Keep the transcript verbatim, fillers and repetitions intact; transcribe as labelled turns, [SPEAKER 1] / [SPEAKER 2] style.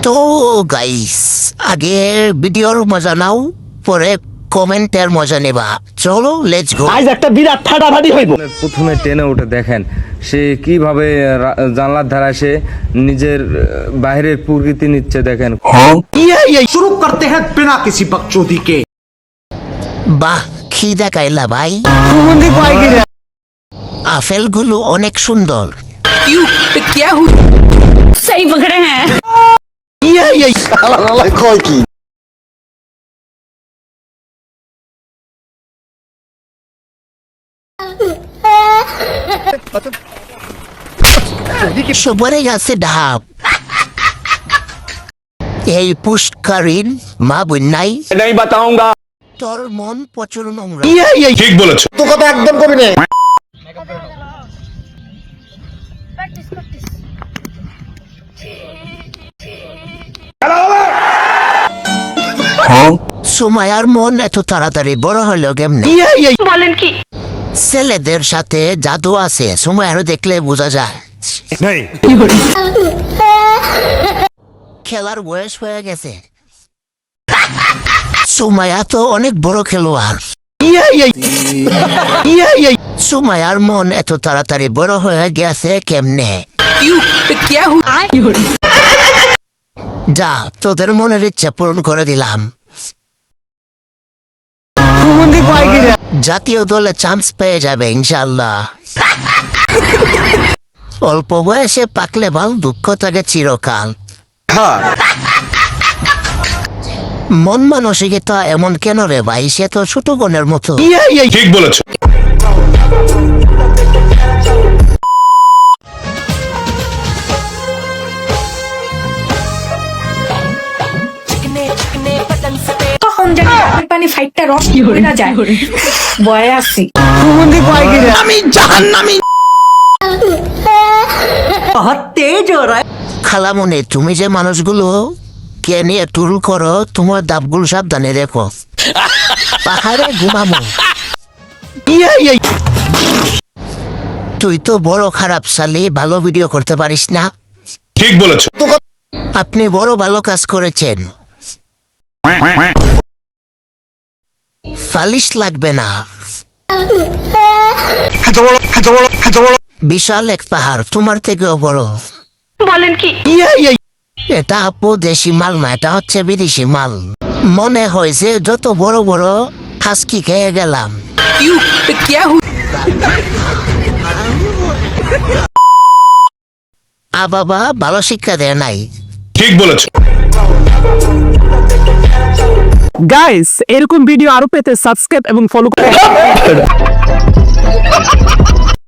[SPEAKER 1] তো গাইস, আগে ভিডিওর মজা নাও, পরে কমেন্টের মজা নেবা। চলো লেটস গো।
[SPEAKER 2] আজ একটা বিরাট ফাটাফাটি হইব।
[SPEAKER 3] প্রথমে টেনে উঠে দেখেন সে কিভাবে রা- জানলার ধারায় সে নিজের আহ, বাইরের প্রকৃতি নিচ্ছে দেখেন।
[SPEAKER 4] शुरू करते हैं बिना किसी बकचोदी के।
[SPEAKER 1] বাহ, কি দেখাইলা ভাই। আপেলগুলো অনেক সুন্দর।
[SPEAKER 5] सही पकड़े हैं।
[SPEAKER 1] সবরে আছে ঢাপ। এই পুষ্কারিন মা বন্যাই
[SPEAKER 2] नहीं बताऊंगा।
[SPEAKER 1] তোর মন প্রচুর নোংরা।
[SPEAKER 6] ঠিক বলেছো।
[SPEAKER 2] তো কথা একদম কবি না।
[SPEAKER 1] সুমায়ার মন এত তাড়াতাড়ি বড় হলো কেমনে?
[SPEAKER 5] বলেন কি?
[SPEAKER 1] ছেলেদের সাথে জাদু আছে, সুমায়ারও দেখলে বোঝা যায়। খেলার বয়স হয়ে গেছে। সুমায়া তো অনেক বড় খেলোয়াড়। সুমায়ার মন এত তাড়াতাড়ি বড় হয়ে গেছে কেমনে? যা, তোদের মনের ইচ্ছা পূরণ করে দিলাম। জাতীয় দলে চান্স পেয়ে যাবে ইনশাল্লাহ। অল্প বয়সে পাকলে ভাল, দুঃখ থাকে চিরকাল। মন মানসিকতা এমন কেন রে ভাই? সে তো ছোট বোনের মতো।
[SPEAKER 6] ঠিক বলেছো।
[SPEAKER 5] কখন জানি ডাবের পানি ফাইটটা রস হয়ে না যায়। বয়ে আসি।
[SPEAKER 1] আমি জাহান্নামী।
[SPEAKER 4] बहुत तेज हो रहा है।
[SPEAKER 1] খালামনে, তুমি যে মানুষগুলো কে নিয়ে টুল করো, তোমার দাবগুলো সাবধানে রেখো। পাহাড়ে ঘুমামো। তুই তো বড় খারাপ শালি, ভালো ভিডিও করতে পারিস না।
[SPEAKER 6] ঠিক বলেছো।
[SPEAKER 1] আপনি বড় ভালো কাজ করেছেন, ফালিশ লাগবে না। বিশাল এক পাহাড়, তোমার থেকেও বড়।
[SPEAKER 5] বলেন কি?
[SPEAKER 1] এটা আপু দেশি মাল না, এটা হচ্ছে বিদেশি মাল। মনে হয়েছে যত বড় বড় হাসকি খেয়ে গেলাম। আ বাবা ভালো শিক্ষা দেয় নাই।
[SPEAKER 6] ঠিক বলেছো।
[SPEAKER 2] গাইস, এরকম ভিডিও আরো পেতে সাবস্ক্রাইব এবং ফলো করুন।